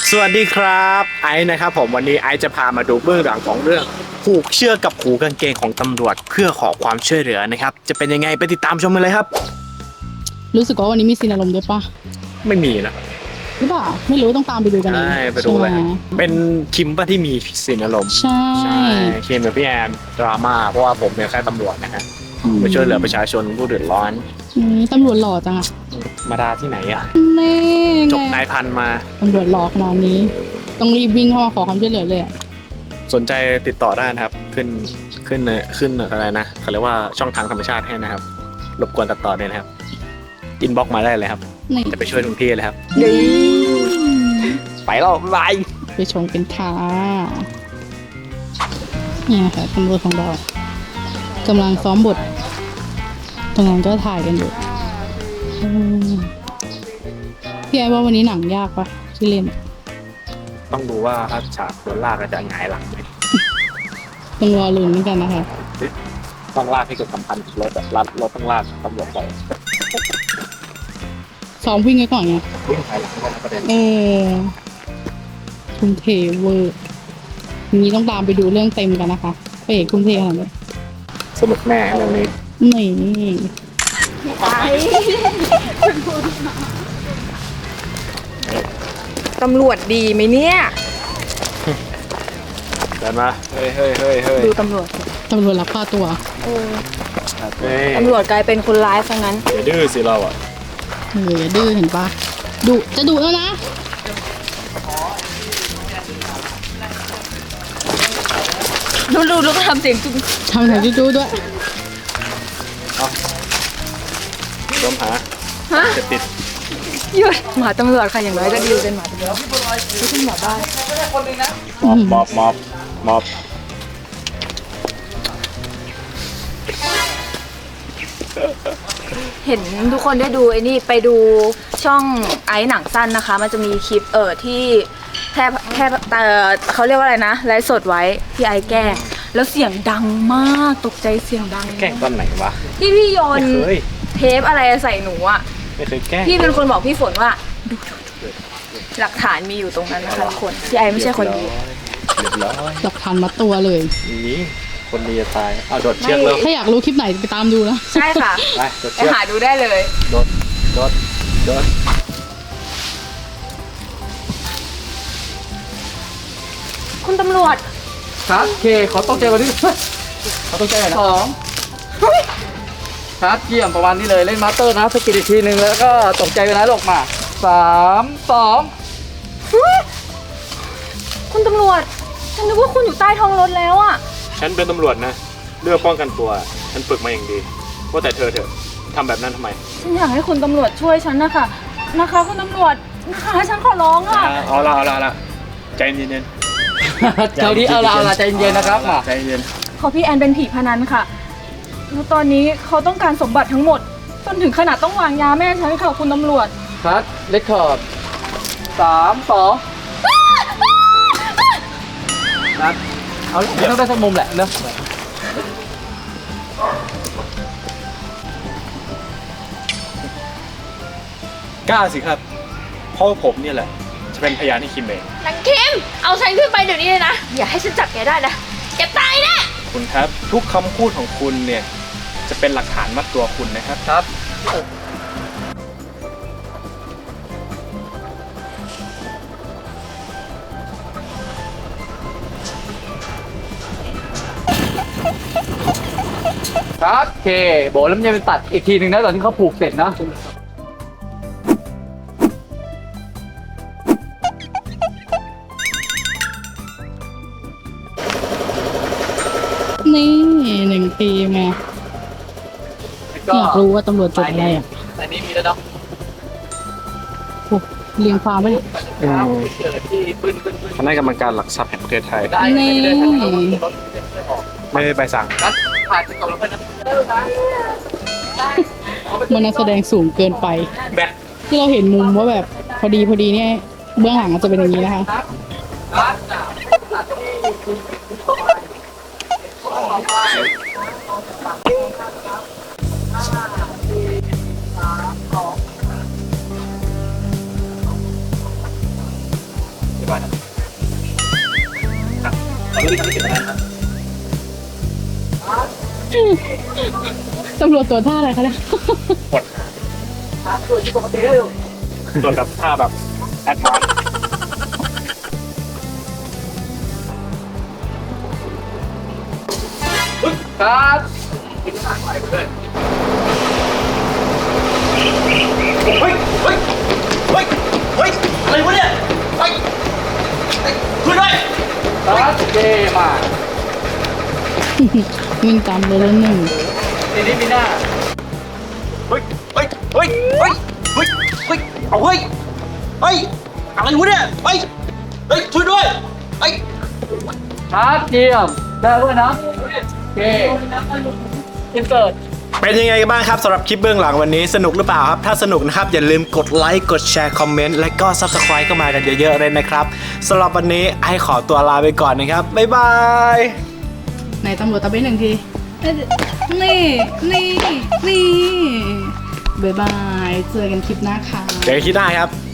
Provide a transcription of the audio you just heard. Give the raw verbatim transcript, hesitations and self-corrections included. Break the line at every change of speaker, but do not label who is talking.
สวัสดีครับไอซ์นะครับผมวันนี้ไอซ์จะพามาดูเบื้องหลังของเรื่องผูกเชือกกับหูกางเกงของตำรวจเพื่อขอความช่วยเหลือนะครับจะเป็นยังไงไปติดตามชมกันเลยครับ
รู้สึกว่าวันนี้มีซีนอารมณ์ด้วยปะ
ไม่มีนะ
หรือเปล่าไม่รู้ต้องตามไปดูกันเอง
ใช่ไปดูเลย
ใช่ไหม
เป็นคิมป่ะที่มีซีนอารมณ์
ใช่
ใช่คิมกับพี่แอนดราม่าเพราะว่าผมเนี่ยแค่ตำรวจนะฮะไปช่วยเหลือประชาชนผู้เดือดร้อน
อืมตำรวจหล่อจังอะ
มาดาที่ไหนอะ
แน่
จบนายพันมา
ตำรวจหล่อขนาดนี้ ต้องรีบวิ่งเข้ามาขอความช่วยเหลือเลยอะ
สนใจติดต่อได้นะครับขึ้นขึ้นขึ้นอะไรนะเขาเรียกว่าช่องทางธรรมชาติให้นะครับรบกวนตัดต่อด้วยนะครับอินบ็อกมาได้เลยครับ
นี่
จะไปช่วยทุกที่เลยครับ
อืม
ไปแล้วบาย
ไปชมกันค่ะเนี่ยค่ะตำรวจของเรากำลังซ้อมบทตรงนั้นก็ถ่ายกันอยู่อืมพี่ไอ้ว่าวันนี้หนังยากปะที่เล่น
ต้องดูว่าถ้าฉากโดนลากจะหงายหลังไหม
ต้องรอลุ้นเหมือนกันนะคะ
ต้องลากให้เกิดสัมพันธ์กับรถอะรถรถต้องลากตำรวจไป
ซ้อมวิ่งไว้ก่อนไง
วิ่งถอยหลังก็นะประเด็น
เออทุ่มเทเวอร์ทีนี้ต้องตามไปดูเรื่องเต็มกันนะคะไปเอกทุ่มเทขนาดนี้
สนุกแน่เรื่องนี้
นี่
ตำรวจดีไหมเนี่ย
เดินมาเฮ้ยเฮ้ยเฮ้ยเฮ้ย
ดูตำรวจสิ
ตำรวจรับค่าตัว
เออ
เฮ้ย
ตำรวจกลายเป็นคนร้ายซะงั้น
อย่าดื้อสิเราอ่ะ
เอออย่าดื้อเห็นปะดุจะดุแล้วนะ
ดูดูดูก็ทำเสียงจุ๊บ
ทำหนังจู้ๆด้วย
ล้มหา
ฮะ
จะติด
หยุดหมาตำรวจค่ะอย่างน้อยก็ดีเป็นหมาตำรวจไม่ใช่หมาบ้าน
มอบมอบมอบมอบ
เห็นทุกคนได้ดูไอ้นี่ไปดูช่องไอ้หนังสั้นนะคะ มันจะมีคลิปเออที่แทบแทบเออเขาเรียกว่าอะไรนะไลฟ์สดไว้ที่ไอ้แกล้งแล้วเสียงดังมากตกใจเสียงดัง
แกล้งตอนไหนวะ
ที่พี่โยน
ไม่เคย
เทปอะไรใส่หนูอ่ะ
ไม่เคยแกล้ง
พี่เป็นคนบอกพี่ฝนว่าดูดูดูหลักฐานมีอยู่ตรงนั้นนะคะทุกคนพี่ไอไม่ใช่คนดี
เรียบร้อย
หลักฐานมัดตัวเลย
นี่คนดีจะตายเอาโดดเชือกแล้ว
ถ้าอยากรู้คลิปไหนไปตามดูนะ
ใช่ค่ะ
ไปโดด
ไป
เชือก
หาดูได้เลย
โดดโดดโดด
คุณตำรวจ
ครับเคขอต้องใจวันนี้เขาต้องใจนะสองครับเยี่ยมประมาณนี้เลยเล่นมาสเตอร์นะสกิดอีกทีหนึ่งแล้วก็ตกใจไปนะลงมาสามสอง
คุณตำรวจ ฉันนึกว่าคุณอยู่ใต้ท้องรถแล้วอะ
ฉันเป็นตำรวจนะเลือกป้องกันตัวฉันฝึกมาอย่างดีว่าแต่เธอเถอะทำแบบนั้นทำไม
ฉันอยากให้คุณตำรวจช่วยฉันนะคะนะคะคุณตำรวจนะคะฉันขอร้องอะ
เอาละเอาละเอาละใจเย็น
เจ้านี้เอาละเอาละใจเย็นๆนะครับมา
ใจเย็น
ขอพี่แอนเป็นผีพนันค่ะแล้วตอนนี้เขาต้องการสมบัติทั้งหมดจนถึงขนาดต้องวางยาแม่ฉันค่ะคุณตำรวจ
ครับเลคคอร์ดสามสองครับเอาไม่ต้องได้สักมุมแหละเนอะ
กล้าสิครับเพราะผมเนี่ยแหละจะเป็นพยานให้คิมเอง
นางคิม เอาฉันขึ้นไปเดี๋ยวนี้เลยนะ อย่าให้ฉันจับแกได้นะ แกตายแน่
คุณครับทุกคำพูดของคุณเนี่ยจะเป็นหลักฐานมัดตัวคุณนะครับ
ครับ ครับเคโบแล้วมันจะเป็นตัดอีกทีหนึ่งนะตอนที่เขาผูกเสร็จนะ
นี่หนึ่งปีมา
ก็
อยากรู้ว่าตำรวจจบอะไรอ่ะ
ในนี้มีแล้วเนาะ
โอ้เรียงความไปเลย
เกิดที่ปืนปืนปืน
คณะกรรมการหลักทรัพย์แห่งประเทศไทย
ได้
นี่
ไม่ได้ทันทีรถ
ไม่ได้ใบสั่ง
นัดผ่านไปก่อนแล้วกันนะ
มันนักแสดงสูงเกินไป
แบต
ที่เราเห็นมุมว่าแบบพอดีพอดีเนี่ยเบื้องหลังอาจจะเป็นอย่างนี้นะคะ
นัด
บร้อยครับครับขอรู้ที่ทำให้เกิดอะไรครับ
ตำรวจตัวท่าอะไรคะเนี่ย
หมดส่วนแบบท่าแบบแอดวานซ์
ครับ
เฮ้ย เฮ้ย เฮ้ย เฮ้ย อะไรวะเนี่ย เฮ้ยช่วยด้วย
ครับเย่มาก
วิ่งตามเลยแล้วหนึ่ง
ทีนี้มีหน้า
เฮ้ย เฮ้ย เฮ้ย เฮ้ย เฮ้ย เฮ้ย เอาเฮ้ย เฮ้ย อะไรวะเนี่ย เฮ้ย เฮ้ย ช่วยด้วย เฮ้ย
ครับเยี่ยมได้ด้วยนะโอเคอินเสิร์ต
เป็นยังไงกันบ้างครับสำหรับคลิปเบื้องหลังวันนี้สนุกหรือเปล่าครับถ้าสนุกนะครับอย่าลืมกดไลค์กดแชร์คอมเมนต์และก็ Subscribe เข้ามากันเยอะๆเลยนะครับสำหรับวันนี้ไอขอตัวลาไปก่อนนะครับบ๊ายบาย
ไหนตำรวจตะเบนหนึ่งที นี่ นี่ นี่ บ๊ายบาย เจอกันคลิปหน้าค่ะ
เจอกันคลิปหน้าครับ